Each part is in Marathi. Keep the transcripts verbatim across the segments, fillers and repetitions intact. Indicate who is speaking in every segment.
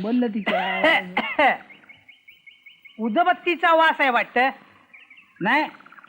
Speaker 1: बोललं तिच्या
Speaker 2: उदबत्तीचा वास आहे वाटतं.
Speaker 1: नाही,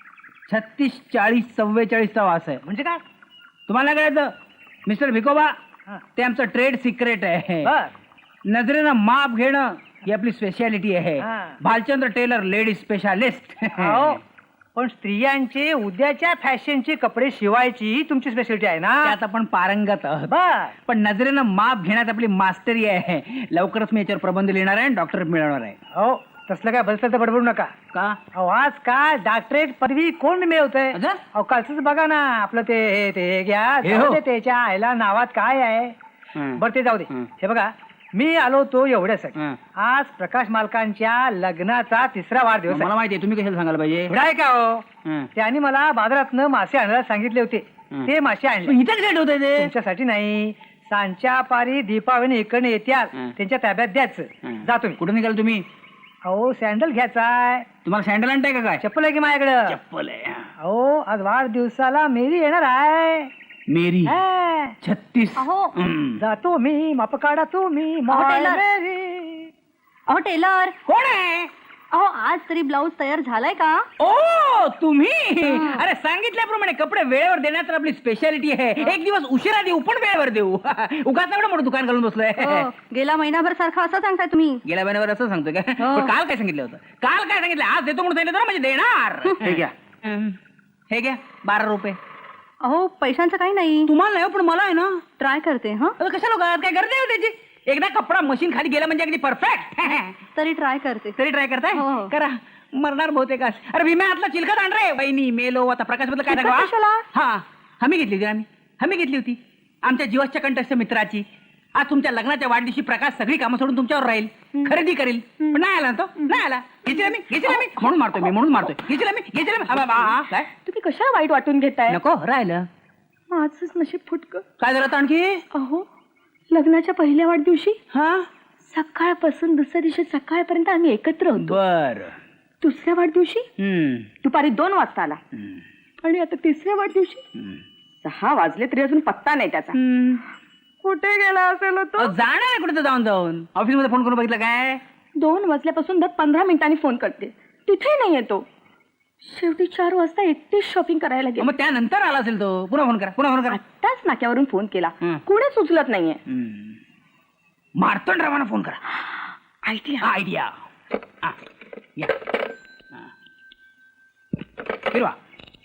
Speaker 1: छत्तीस चाळीस चव्वेचाळीसचा वास आहे.
Speaker 2: म्हणजे काय?
Speaker 1: तुम्हाला काय कळतं मिस्टर भिकोबा,
Speaker 2: हा.
Speaker 1: ते आमचं ट्रेड सिक्रेट आहे.
Speaker 2: बर.
Speaker 1: नजरेनं माप घेणं ही आपली स्पेशालिटी आहे.
Speaker 2: हा.
Speaker 1: Bhalchandra tailor ladies specialist.
Speaker 2: अहो, पण स्त्रियांचे उद्याच्या फॅशनचे कपडे शिवायची ही तुमची स्पेशालिटी आहे ना.
Speaker 1: त्यात आपण पारंगत आहोत.
Speaker 2: बर.
Speaker 1: पण नजरेनं माप घेण्यात आपली मास्टरी आहे. लवकरच मी याच्यावर प्रबंध लिहिणार आहे, डॉक्टर मिळवणार आहे.
Speaker 2: हो, तसलं काय भलतं तर बडबडू नका.
Speaker 1: का?
Speaker 2: अहो, आजकाल डॉक्टरेट पदवी कोण मिळवतंय?
Speaker 1: अच्छा?
Speaker 2: अहो, कालच बघा ना, आपलं ते हे ते घ्या,
Speaker 1: हे
Speaker 2: जाऊ
Speaker 1: हो.
Speaker 2: दे, त्याच्या आईला नावात काय आहे.
Speaker 1: हं.
Speaker 2: बरं, ते जाऊ दे.
Speaker 1: हं.
Speaker 2: हे बघा, मी आलो तो एवढ्यासाठी.
Speaker 1: हं.
Speaker 2: आज प्रकाश मालकांच्या लग्नाचा तिसरा वाढदिवस
Speaker 1: मला
Speaker 2: आहे.
Speaker 1: माहिती आहे, तुम्ही कशाला सांगायला पाहिजे.
Speaker 2: एवढा आहे का हो?
Speaker 1: हं.
Speaker 2: त्यांनी मला बाजारातनं मासे आणायला सांगितले होते.
Speaker 1: हं.
Speaker 2: ते मासे आणले.
Speaker 1: पण इथं कशाला ठेवताय ते?
Speaker 2: तुमच्यासाठी नाही, सांच्या पारी दीपावली इकडे येत्याल
Speaker 1: हं.
Speaker 2: त्यांच्या ताब्यात द्यायचं.
Speaker 1: हं.
Speaker 2: जा तुम्ही.
Speaker 1: कुठं निघाल तुम्ही?
Speaker 2: अहो, सँडल घ्यायचाय.
Speaker 1: तुम्हाला सँडल आणताय का काय?
Speaker 2: चप्पल आहे की माझ्याकडं?
Speaker 1: चप्पल आहे.
Speaker 2: अहो, आज वाढदिवसाला मेरी येणार आहे.
Speaker 1: मेरी
Speaker 2: हा.
Speaker 1: छत्तीस.
Speaker 3: अहो.
Speaker 1: हं.
Speaker 2: जातो मी, माप काढा तुम्ही,
Speaker 3: अहो,
Speaker 2: माय
Speaker 3: टेलर.
Speaker 2: मेरी.
Speaker 3: अहो टेलर,
Speaker 1: कोण आहे?
Speaker 3: अहो आज तरी ब्लाऊज तयार झालाय का?
Speaker 1: ओ तुम्ही.
Speaker 3: हं.
Speaker 1: अरे सांगितल्याप्रमाणे कपडे वेळेवर देण्यात तर आपली स्पेशालिटी आहे. एक दिवस उशिरा देऊ पण वेळेवर देऊ. उगाच एवढं मोठं दुकान घालून बसलोय.
Speaker 3: हो, गेला महिनाभर सारखा असं सांगताय तुम्ही.
Speaker 1: गेल्या महिन्यावर असं सांगतोय का?
Speaker 3: हो.
Speaker 1: पण काल काय सांगितलं होतं? काल काय सांगितलं? आज देतो म्हणून सांगितलं ना, म्हणजे देणार. हे घ्या. हं. हे घ्या बारा रुपये.
Speaker 3: अहो पैशांचं काही नाही,
Speaker 1: तुम्हाला नाही हो, पण मला आहे ना.
Speaker 3: ट्राय करते. हा
Speaker 1: अरे कशा लोक काय गरज आहे हो त्याची? एकदा कपडा मशीन खाली गेला म्हणजे अगदी परफेक्ट.
Speaker 3: तरी ट्राय करते.
Speaker 1: तरी ट्राय करताय?
Speaker 3: हो, हो.
Speaker 1: करा. मरणार बहुतेक आज. अरे भीम्या हातला चिलखत आण रे. वहिनी मेलो आता प्रकाश बद्दल काय
Speaker 3: चिलखत
Speaker 1: सांगा?
Speaker 3: कशाला?
Speaker 1: हा हमी घेतली होती आम्ही. हमी घेतली होती आमच्या जीवाच्या कंठस्थ मित्राची. आज तुमच्या लग्नाच्या वाढदिवशी प्रकाश सगळी कामं सोडून तुमच्यावर राहील, खरेदी करेल. पण नाही आला ना तो, नाही आला. घेतला मी घेतला मी म्हणून मारतोय मी म्हणून मारतोय घेतला मी घेतला मी. आ, बा, आ, काय
Speaker 3: तुम्ही कशा वाईट वाटून घेताय?
Speaker 1: नको राहिलं.
Speaker 3: माझंच नशीब फुटकं.
Speaker 1: काय झालं आता आणखी?
Speaker 3: अहो लग्नाच्या पहिल्या वाढदिवशी
Speaker 1: हा
Speaker 3: सकाळपासून दुसऱ्या दिवशी सकाळपर्यंत आम्ही एकत्र होतो.
Speaker 1: बर.
Speaker 3: दुसऱ्या वाढदिवशी
Speaker 1: हम्म
Speaker 3: दुपारी दोन वाजता आला
Speaker 1: हम्म.
Speaker 3: आणि आता तिसऱ्या वाढदिवशी
Speaker 1: हम्म.
Speaker 3: सहा वाजले तरी अजून पत्ता नाही त्याचा.
Speaker 1: हम्म.
Speaker 3: कुठे गेला असेल तो?
Speaker 1: अहो, जाणार आहे कुठे जाऊन जाऊन ऑफिस मध्ये फोन करून बघितलं काय?
Speaker 3: दोन वाजल्यापासून दर पंधरा मिनिटांनी फोन करते, तिथे नाही येतो. शेवटी चार वाजता एकटीच शॉपिंग करायला गेले.
Speaker 1: मग त्यानंतर आला असेल तो. पुन्हा फोन करा पुन्हा फोन करा.
Speaker 3: आत्ताच नाक्यावरून फोन केला,
Speaker 1: हं.
Speaker 3: कुणीच उचलत नाहीये.
Speaker 1: हम्म. मार्तंड रावांना फोन करा.
Speaker 3: आयडिया.
Speaker 1: आयडिया. हा. या. हा. फिरवा.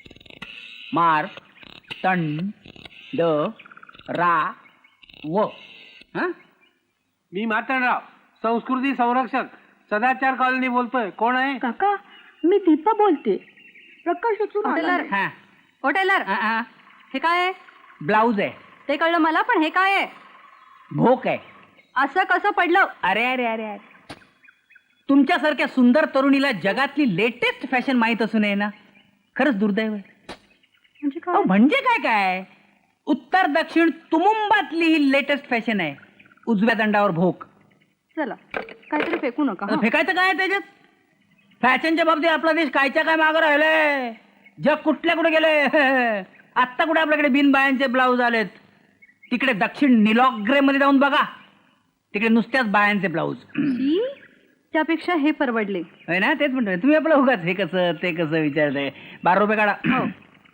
Speaker 1: मार तंड द रा व. हा?
Speaker 4: मी मार्तंडराव, संस्कृती संरक्षक, सदाचार कॉलनी बोलतोय. कोण आहे?
Speaker 3: काका मी दीपा बोलते. प्रकाश उचलून आला
Speaker 1: टेलर.
Speaker 3: नाही.
Speaker 1: हा.
Speaker 3: ओ टेलर,
Speaker 1: हा, हा.
Speaker 3: हे काय आहे?
Speaker 1: ब्लाऊज आहे.
Speaker 3: ते कळलं मला, पण हे काय आहे?
Speaker 1: भोक आहे.
Speaker 3: असं कसं पडलं?
Speaker 1: अरे अरे अरे अरे तुमच्यासारख्या सुंदर तरुणीला जगातली लेटेस्ट फॅशन माहित असू नये ना, खरंच दुर्दैव आहे.
Speaker 3: म्हणजे
Speaker 1: अहो,
Speaker 3: काय?
Speaker 1: म्हणजे काय काय उत्तर दक्षिण तुमुंबातली ही लेटेस्ट फॅशन आहे. उजव्या दंडावर भोक.
Speaker 3: चला काहीतरी फेकू नका
Speaker 1: आता
Speaker 3: हं.
Speaker 1: फेकायचं काय आहे त्याच्यात? फॅशनच्या बाबतीत आपला देश कायच्या काय मागं राहिलंय. जग कुठल्या कुठे गेले. आत्ता कुठे आपल्याकडे बिनबायांचे ब्लाऊज आलेत. तिकडे दक्षिण निलॉग्रे मध्ये जाऊन बघा, तिकडे नुसत्याच बायांचे ब्लाऊज.
Speaker 3: छी, त्यापेक्षा हे परवडले.
Speaker 1: होय ना, तेच म्हणतोय. तुम्ही आपलं उगाच हे कसं ते कसं विचारताय. बारा रुपये काढा.
Speaker 3: हो.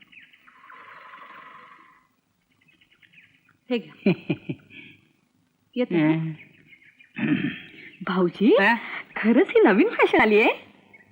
Speaker 3: हे घ्या. येते हं. भाऊजी
Speaker 1: हा?
Speaker 3: खरंच ही नवीन फॅशन आली आहे.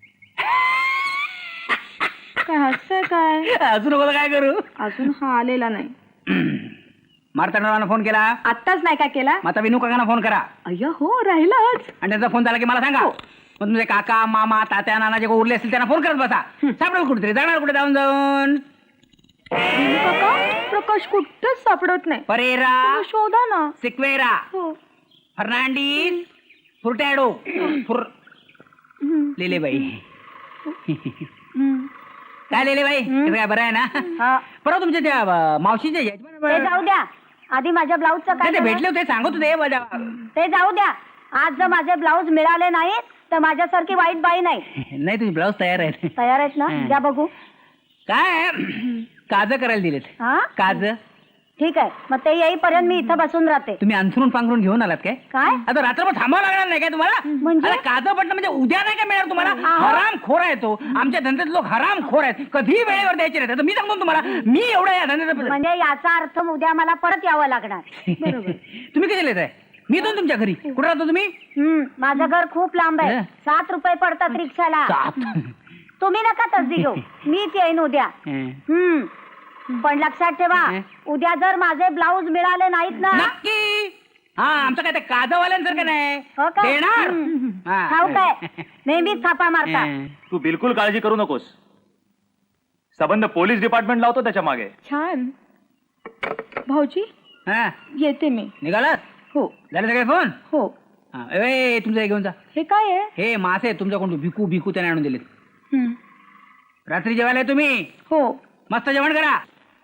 Speaker 3: काय हसतंय काय?
Speaker 1: अजून मला काय करू?
Speaker 3: अजून हा आलेला नाही.
Speaker 1: मार्तंडांना फोन केला.
Speaker 3: आत्ताच नाही काय केला?
Speaker 1: मग आता विनू काकांना फोन करा
Speaker 3: अय्या हो राहिलाच.
Speaker 1: आणि त्यांचा फोन झाला की मला सांगा. मग तुमचे काका मामा तात्या नाना जे कोण उरले असतील त्यांना फोन करत बसा. सापडेल कुठेतरी, जाणार कुठे जाऊन जाऊन.
Speaker 3: विनू काका प्रकाश कुठंच सापडत नाही.
Speaker 1: परेरा
Speaker 3: तुम्ही शोधा ना.
Speaker 1: सिक्वेरा
Speaker 3: हो.
Speaker 1: फर्नांडिस फुरटॅडो फुर
Speaker 3: हं.
Speaker 1: लेलेबाई.
Speaker 3: हं.
Speaker 1: काय लेलेबाई, कसं काय बरं आहे ना?
Speaker 3: हा.
Speaker 1: परवा तुमच्या त्या अं, मावशीच्या
Speaker 5: ते
Speaker 1: यजमान
Speaker 5: जाऊ द्या, आधी माझ्या ब्लाऊजचं काय
Speaker 1: ते
Speaker 5: झालं?
Speaker 1: भेटले होते, सांगत होते माझ्या.
Speaker 5: ते जाऊ द्या. आज जर माझे ब्लाऊज मिळाले नाहीत तर माझ्यासारखी वाईट बाई नाही.
Speaker 1: नाही तुझे ब्लाऊज तयार आहेत.
Speaker 5: तयार आहेत ना?
Speaker 1: हं.
Speaker 5: द्या बघू.
Speaker 1: काय काज करायला दिलेत.
Speaker 5: हा
Speaker 1: काज
Speaker 5: ठीक आहे मग ते येईपर्यंत मी इथं बसून राहते.
Speaker 1: तुम्ही अंथरून पांघरून घेऊन आलात काय?
Speaker 5: काय?
Speaker 1: आता रात्रभर थांबावं लागणार नाही काय तुम्हाला?
Speaker 5: म्हणजे?
Speaker 1: अरे काजं पडणं म्हणजे उद्या नाही काय मिळणार तुम्हाला?
Speaker 5: अहो.
Speaker 1: हराम खोर आहे तो. आमच्या धंद्यात लोक हराम खोर आहेत, कधी वेळेवर द्यायचे नाही. मी सांगतो तुम्हाला, मी एवढा या धंद्यात
Speaker 5: म्हणजे याचा अर्थ उद्या मला परत यावं लागणार.
Speaker 1: बरोबर. तुम्ही कधी येत आहे? मी येतो ना तुमच्या घरी. कुठे राहतो तुम्ही?
Speaker 5: हम्म माझं घर खूप लांब आहे.
Speaker 1: हं.
Speaker 5: सात रुपये पडतात रिक्षाला.
Speaker 1: सात.
Speaker 5: तुम्ही नका तसदी घेऊ, मीच येईन उद्या.
Speaker 1: हं.
Speaker 5: हम्म पण लक्षात ठेवा,
Speaker 1: हं.
Speaker 5: उद्या जर माझे ब्लाऊज मिळाले नाहीत ना.
Speaker 1: नक्की. हा आमचं काय ते काजवाल्यांसारखं नाही
Speaker 5: हो का?
Speaker 1: देणार.
Speaker 5: हं.
Speaker 1: हा.
Speaker 5: ठाऊक आहे, नेहमीच थापा मारता.
Speaker 1: हं.
Speaker 6: तू बिलकुल काळजी करू नकोस. संबंध पोलीस डिपार्टमेंट लावतो त्याच्या मागे.
Speaker 3: छान. भाऊजी
Speaker 1: हा
Speaker 3: येते मी.
Speaker 1: निघालात?
Speaker 3: हो
Speaker 1: झाले सगळे फोन?
Speaker 3: हो.
Speaker 1: हा. ए तुमचं हे घेऊन जा.
Speaker 3: हे काय आहे?
Speaker 1: हे मासे तुमच्याकडून भिकू भिकू त्याने आणून दिलेत.
Speaker 3: हं.
Speaker 1: रात्री जेवायला आहे तुम्ही?
Speaker 3: हो.
Speaker 1: मस्त जेवण करा.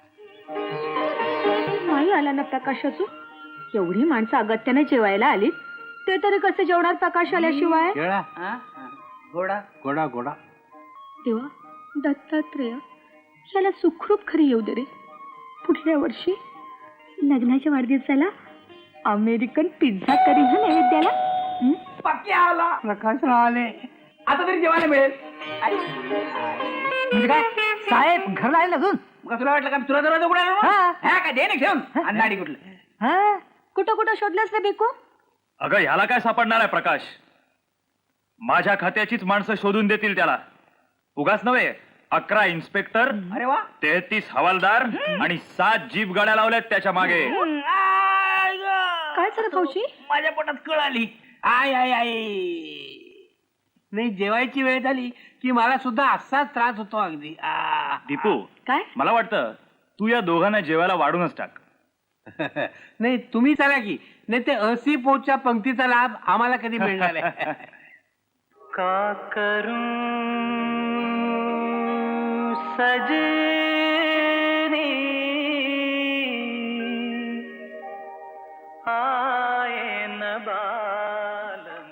Speaker 3: नाही आला ना प्रकाश अजून. एवढी माणसं अगत्याने जेवायला आली, ते तरी कसे जेवणार प्रकाश आल्याशिवाय?
Speaker 4: केळा
Speaker 1: हा? हा. घोडा.
Speaker 4: गोडा गोडा
Speaker 3: देवा दत्तात्रेय, याला सुखरूप खरी येऊ दे रे. पुढल्या वर्षी लग्नाच्या वाढदिवसाला अमेरिकन पिझ्झा करी हा नैवेद्याला. हं?
Speaker 1: पक्की आला.
Speaker 4: प्रकाश आले.
Speaker 1: आता तरी जेवायला मिळेल. आई.
Speaker 2: म्हणजे काय साहेब घरला आले अजून?
Speaker 1: मग तुला वाटलं का तुला दरवाजा उघडा ना?
Speaker 2: हा.
Speaker 1: हा काय दे ना ठेवून अंधाडी कुठलं.
Speaker 2: हा?
Speaker 3: कुठं कुठं शोधलंस रे भिकू?
Speaker 6: अगं ह्याला काय सापडणार आहे प्रकाश? माझ्या खात्याचीच माणसं शोधून देतील त्याला. उगाच नव्हे, अकरा इन्स्पेक्टर,
Speaker 1: अरे वा.
Speaker 6: तेहतीस हवालदार आणि सात जीप गाड्या लावल्यात त्याच्या मागे.
Speaker 1: आय गं.
Speaker 3: काय झालं भाऊजी?
Speaker 1: माझ्या पोटात कळ आली. आय आय आय.
Speaker 4: नाही जेवायची वेळ झाली की मला सुद्धा असाच त्रास होतो अगदी. आ.
Speaker 6: दीपू,
Speaker 3: काय?
Speaker 6: मला वाटतं तू या दोघांना जेवायला वाढूनच टाक.
Speaker 4: नाही तुम्ही चला की, नाही ते असी पोटच्या पंक्तीचा लाभ आम्हाला कधी मिळणार आहे?
Speaker 2: का करूं सजनी आए न बालम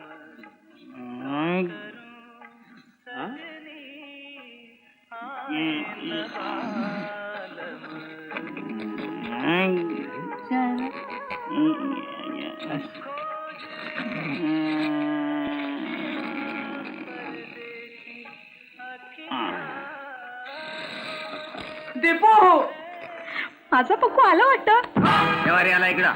Speaker 1: दीपू.
Speaker 3: माझा पक्कू आला वाटतं.
Speaker 6: जेवारी आला इकडा.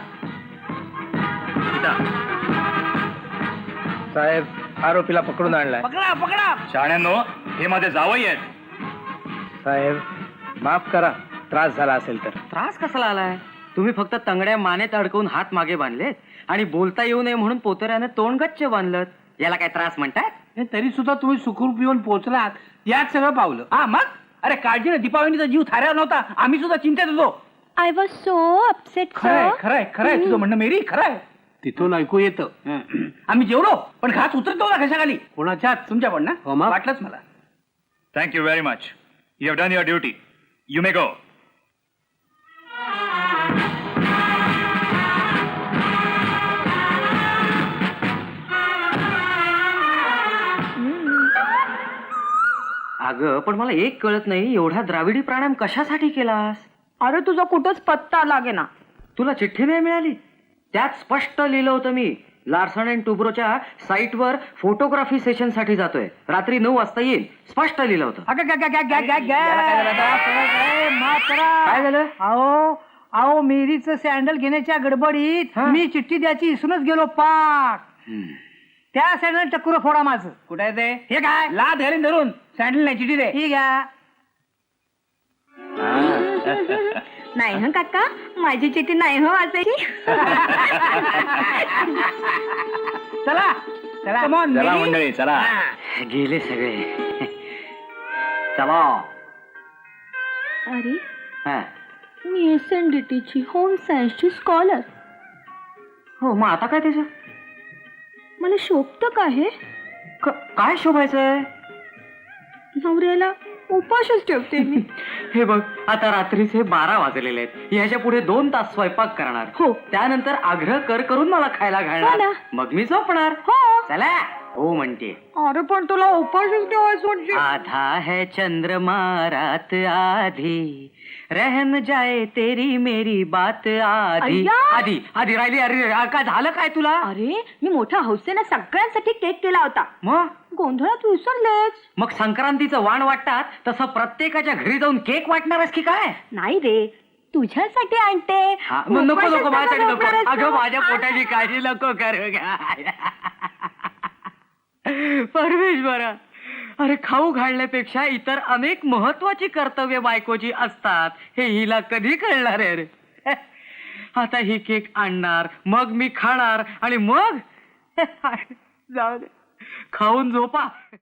Speaker 2: साहेब आरोपीला पकडून आणलाय.
Speaker 1: पकडा पकडा.
Speaker 6: शाण्यांनो, हे माझे जावई आहेत.
Speaker 2: साहेब माफ करा, त्रास झाला असेल तर.
Speaker 7: त्रास कसाला आलाय? तुम्ही फक्त तंगड्या मानेत अडकवून हात मागे बांधलेत आणि बोलता येऊ नये म्हणून पोतऱ्याने तोंड गच्च बांधलं. याला काय त्रास म्हणतात?
Speaker 4: नाही, तरी सुद्धा तुम्ही सुखरूप येऊन पोहोचलात यात सगळं पावलं.
Speaker 1: हा मग अरे काळजीने दीपावलीचा जीव थाऱ्यावर नव्हता. आम्ही सुद्धा चिंतेत होतो.
Speaker 3: I was so upset.
Speaker 1: खरंय खरंय खरंय तुझं म्हणणं मेरी खरंय.
Speaker 4: तिथून ऐकू येतं.
Speaker 1: आम्ही जेवलो पण घास उतरतो ना घशाखाली.
Speaker 4: कोणाच्यात?
Speaker 1: तुमच्या पण ना?
Speaker 4: हो मग.
Speaker 1: वाटलंच मला.
Speaker 6: Thank you very much. You have done your duty. You may go.
Speaker 7: अगं पण मला एक कळत नाही, एवढा द्राविडी प्राणायाम कशासाठी केलास?
Speaker 3: अरे तुझा कुठंच पत्ता लागे ना.
Speaker 7: तुला चिठ्ठी नाही मिळाली? त्यात स्पष्ट लिहिलं होतं मी लार्सन अँड टुब्रोच्या साईटवर फोटोग्राफी सेशन साठी जातोय, रात्री नऊ वाजता येईल. स्पष्ट लिहिलं होतं.
Speaker 2: अगं, ग- ग- ग- ग- ग- ग-
Speaker 1: याला काय झालं आता?
Speaker 2: ए, माफ करा.
Speaker 7: काय झालं?
Speaker 2: अहो अहो मेरीचं सँडल घेण्याच्या गडबडीत
Speaker 7: हा?
Speaker 2: मी चिठ्ठी द्यायची विसरूनच गेलो पाक. त्या सँडल टक्कुर फोडा माझं.
Speaker 1: कुठे आहे ते?
Speaker 2: हे काय?
Speaker 1: ला धरून धरून सँडल नाही चिठी दे.
Speaker 2: ठीक आहे.
Speaker 3: नाही हं काका, माझी चिठी नाही हो वाचायची.
Speaker 1: चला चला Come on,
Speaker 6: चला
Speaker 1: Mary.
Speaker 6: मंडळी, चला.
Speaker 1: हा.
Speaker 7: गेले सगळे. चला.
Speaker 3: अरे
Speaker 7: हा.
Speaker 3: मी एस एन डी टीची होम सायन्सची स्कॉलर.
Speaker 7: हो मग आता काय त्याचं?
Speaker 3: मला शोभतं का हे?
Speaker 7: क- काय शोभायचंय?
Speaker 3: नवऱ्याला उपाशच ठेवते मी.
Speaker 7: हे बघ आता रात्रीचे बारा वाजलेले आहेत. ह्याच्या पुढे दोन तास स्वयंपाक करणार.
Speaker 3: हो.
Speaker 7: त्यानंतर आग्रह कर करून मला खायला
Speaker 3: हो
Speaker 7: घालणार.
Speaker 3: ना.
Speaker 7: मग मी झोपणार.
Speaker 3: हो.
Speaker 7: चला हो म्हणते.
Speaker 3: अरे पण तुला उपाशच ठेवायचं म्हणजे.
Speaker 7: आधा है चंद्रमा रात आधी रहन जाए तेरी मेरी बात आधी
Speaker 3: अय्या!
Speaker 7: आधी आधी राहिली. अरे अरे, काय झालं काय तुला?
Speaker 3: अरे मी मोठ्या हौसेने सगळ्यांसाठी केक केला होता.
Speaker 7: मग
Speaker 3: गोंधळात विसरलेच.
Speaker 7: मग संक्रांतीचं वाण वाटतात तसं प्रत्येकाच्या घरी जाऊन केक वाटणारच की काय?
Speaker 3: नाही रे, तुझ्यासाठी आणते.
Speaker 7: हा, मग नको नको माझ्यासाठी नको.
Speaker 3: झोपणारच
Speaker 7: अगं
Speaker 3: ना.
Speaker 7: माझ्या पोटाची काळजी नको करू परमेश्वरा, अरे खाऊ घालण्यापेक्षा इतर अनेक महत्वाची कर्तव्य बायकोची असतात हे हिला कधी कळणार आहे रे? आता ही केक आणणार, मग मी खाणार आणि मग जाऊ दे, खाऊन झोपा.